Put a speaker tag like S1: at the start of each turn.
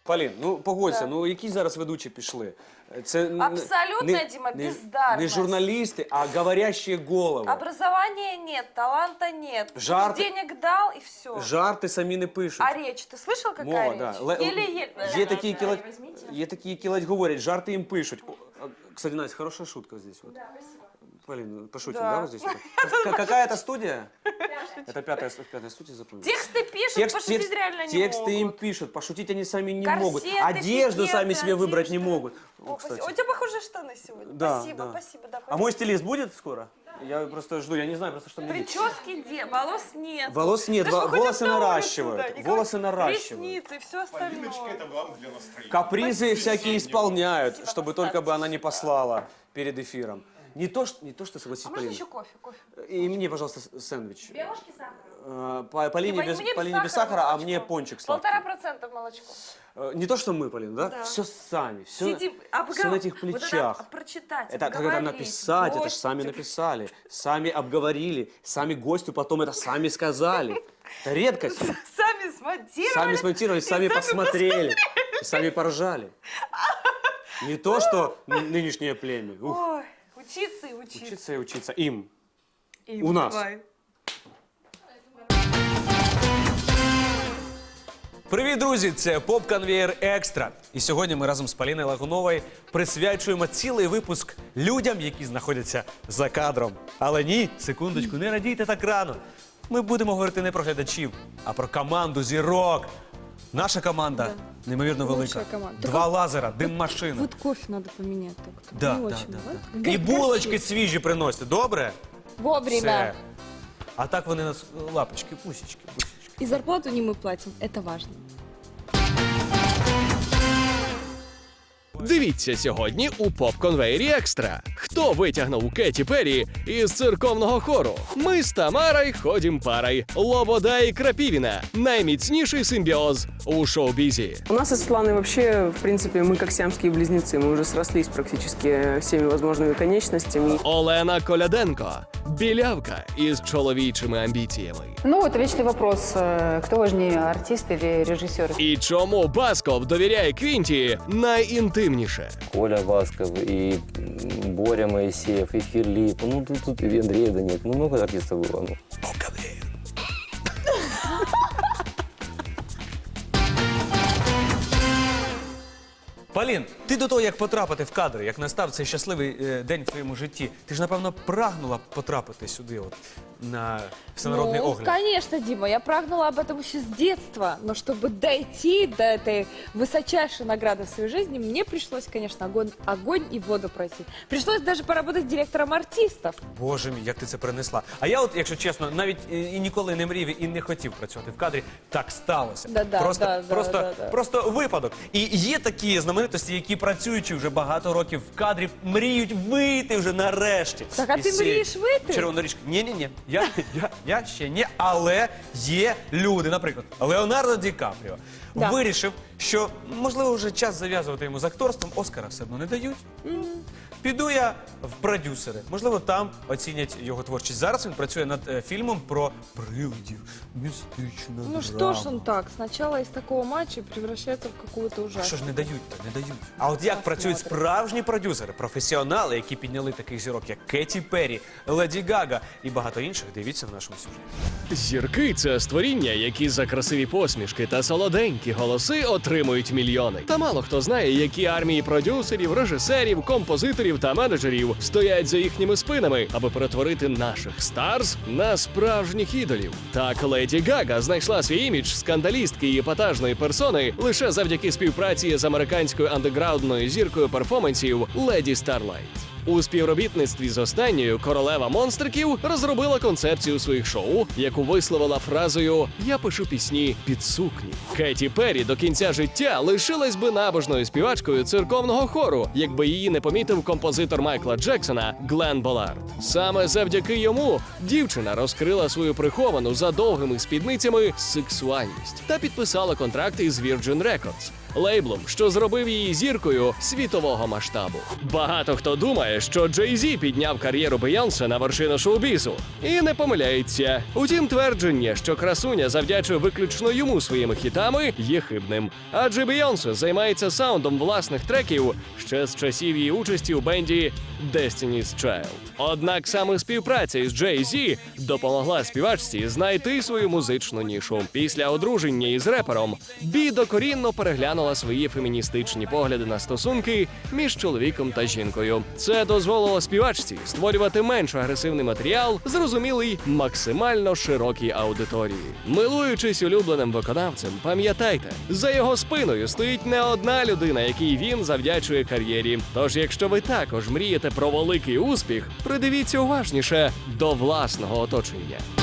S1: Полін, ну погодься, ну які зараз ведучі пішли? Це
S2: Абсолютно, Дима, бездарность.
S1: Не журналісти, а говорящие голови.
S2: Образования нет, таланта нет.
S1: Жарты.
S2: Денег дал и все.
S1: Жарти самі не пишуть.
S2: А речь, ты слышал, какая
S1: Мова,
S2: речь?
S1: да.
S2: Еле-еле.
S1: Є такі, які ледь говорять, жарти їм пишуть. Кстати, Настя, хорошая шутка здесь. Вот.
S2: Да, спасибо.
S1: Полин, пошутим,
S2: Да.
S1: да, вот здесь? Какая это студия? Это пятая студия, запомнил.
S2: Тексты пишут, пошутить реально не
S1: Тексты
S2: могут.
S1: им пишут, пошутить они сами не
S2: Корсеты,
S1: могут. Одежду
S2: пикеты,
S1: сами себе выбрать не
S2: одежда.
S1: могут.
S2: О,
S1: Кстати.
S2: у тебя похожие штаны сегодня.
S1: Да,
S2: Спасибо,
S1: да.
S2: спасибо. Да,
S1: А мой стилист будет скоро? Я просто жду, я не знаю просто, что мне делать.
S2: Прически где? Волос нет.
S1: Волос нет,
S2: Да что,
S1: волосы
S2: ходим на улицу,
S1: наращивают.
S2: да, никого-
S1: Волосы наращивают.
S2: Ресницы и все остальное.
S3: это главное для настроения.
S1: Капризы всякие исполняют, чтобы только бы она не послала перед эфиром. Не то, что согласись,
S2: А можно
S1: Полина.
S2: еще кофе?
S1: И мне, пожалуйста, сэндвич.
S2: Белушки сахар?
S1: Полине без сахара, а мне пончик сладкий.
S2: 1,5% молочко.
S1: Не то, что мы, Полин, да?
S2: Да.
S1: Все сами, все
S2: Сидим,
S1: на этих
S2: Вот
S1: плечах.
S2: это прочитать,
S1: Это когда
S2: обговорить,
S1: написать, это же
S2: гостю.
S1: сами написали, сами обговорили, сами гостю потом это сами сказали. Это редкость.
S2: Сами смонтировали.
S1: Сами смонтировали, сами посмотрели, и сами поржали. Не то, что нынешнее племя. Ух,
S2: Ой, учиться и учиться.
S1: учиться и учиться. Им.
S2: И
S1: у нас.
S2: давай.
S1: Привіт, друзі! Це Поп-Конвеєр Екстра. І сьогодні ми разом з Поліною Лагуновою присвячуємо цілий випуск людям, які знаходяться за кадром. Але ні, секундочку, не радійте так рано. Ми будемо говорити не про глядачів, а про команду зірок. Наша команда неймовірно велика.
S4: Лучшая команда.
S1: 2 лазера, дим-машина.
S4: Вот кофе надо поменять только.
S1: Да,
S4: Не
S1: да,
S4: очень,
S1: да,
S4: вот.
S1: да. І булочки свіжі приносять, добре?
S4: Вовремя.
S1: Все. А так вони нас лапочки, пусічки.
S4: И зарплату не мы платим, это важно.
S5: Дивіться сьогодні у Поп-Конвеєрі Екстра. Хто витягнув Кеті Перрі із церковного хору? Ми з Тамарой ходім парой. Лобода і Крапивіна. Найміцніший симбіоз у шоу-бізі.
S6: У нас со Светланой вообще, в принципе, мы как сиамские близнецы. Мы уже срослись практически всеми возможными конечностями.
S5: Олена Коляденко. Білявка із чоловічими амбіціями.
S7: Ну, это вечный вопрос, кто важнее, артист или режиссер.
S5: І чому Басков довіряє Квінті найінтимніше?
S8: Коля Басков, и Боря Моисеев, и Филипп. Ну, тут и Андрея да нет. Ну, много артистов было. Ну.
S1: Полін, ти до того, як потрапити в кадри, як настав цей щасливий день в твоєму житті, ти ж, напевно, прагнула потрапити сюди, от, на всенародний огляд.
S4: Конечно, Дима, я прагнула об этом еще с детства. Но чтобы дойти до этой высочайшей награды в своей жизни, мне пришлось, конечно, огонь и воду пройти. Пришлось даже поработать директором артистов.
S1: Боже мій, як ти це принесла. А я от, якщо чесно, навіть і ніколи не мрів і не хотів працювати в кадрі. Так сталося.
S4: Да-да,
S1: Просто випадок. І є такі знаменитості, які працюючи вже багато років в кадрі, мріють вийти вже нарешті.
S4: Так, а
S1: із
S4: ти
S1: цієї
S4: мрієш вийти?
S1: Червоної річки. Ні. Я ще ні, але є люди, наприклад, Леонардо Ді Капріо
S4: Да.
S1: вирішив, що, можливо, вже час зав'язувати йому з акторством, Оскара все одно не дають. Піду я в продюсери. Можливо, там оцінять його творчість. Зараз він працює над фільмом про привидів. Містична драма.
S4: Ну что ж он так, сначала из такого матча превращается в какую-то
S1: А
S4: ужасную.
S1: що ж не дають-то, не дають. А от як працюють справжні продюсери, професіонали, які підняли таких зірок, як Кеті Перрі, Леді Гага і багато інших, дивіться в нашому сюжеті.
S5: Зірки – це створіння, які за красиві посмішки та солоденькі голоси отримують мільйони. Та мало хто знає, які армії продюсерів, режисерів, композиторів та менеджерів стоять за їхніми спинами, аби перетворити наших старз на справжніх ідолів. Так, Леді Гага знайшла свій імідж скандалістки і епатажної персони лише завдяки співпраці з американською андеграундною зіркою перформансів Леді Старлайт. У співробітництві з останньою королева монстриків розробила концепцію своїх шоу, яку висловила фразою «Я пишу пісні під сукні». Кеті Перрі до кінця життя лишилась би набожною співачкою церковного хору, якби її не помітив композитор Майкла Джексона Глен Боллард. Саме завдяки йому дівчина розкрила свою приховану за довгими спідницями сексуальність та підписала контракт із Virgin Records. лейблом, що зробив її зіркою світового масштабу. Багато хто думає, що Джей-Зі підняв кар'єру Бейонсе на вершину шоу-бізу. І не помиляється. Утім, твердження, що красуня завдячує виключно йому своїми хітами, є хибним. Адже Бейонсе займається саундом власних треків ще з часів її участі у бенді Destiny's Child. Однак саме співпраця із Джей-Зі допомогла співачці знайти свою музичну нішу. Після одруження із репером Бі докорінно переглянула свої феміністичні погляди на стосунки між чоловіком та жінкою. Це дозволило співачці створювати менш агресивний матеріал, зрозумілий максимально широкій аудиторії. Милуючись улюбленим виконавцем, пам'ятайте, за його спиною стоїть не одна людина, якій він завдячує кар'єрі. Тож, якщо ви також мрієте про великий успіх, придивіться уважніше до власного оточення.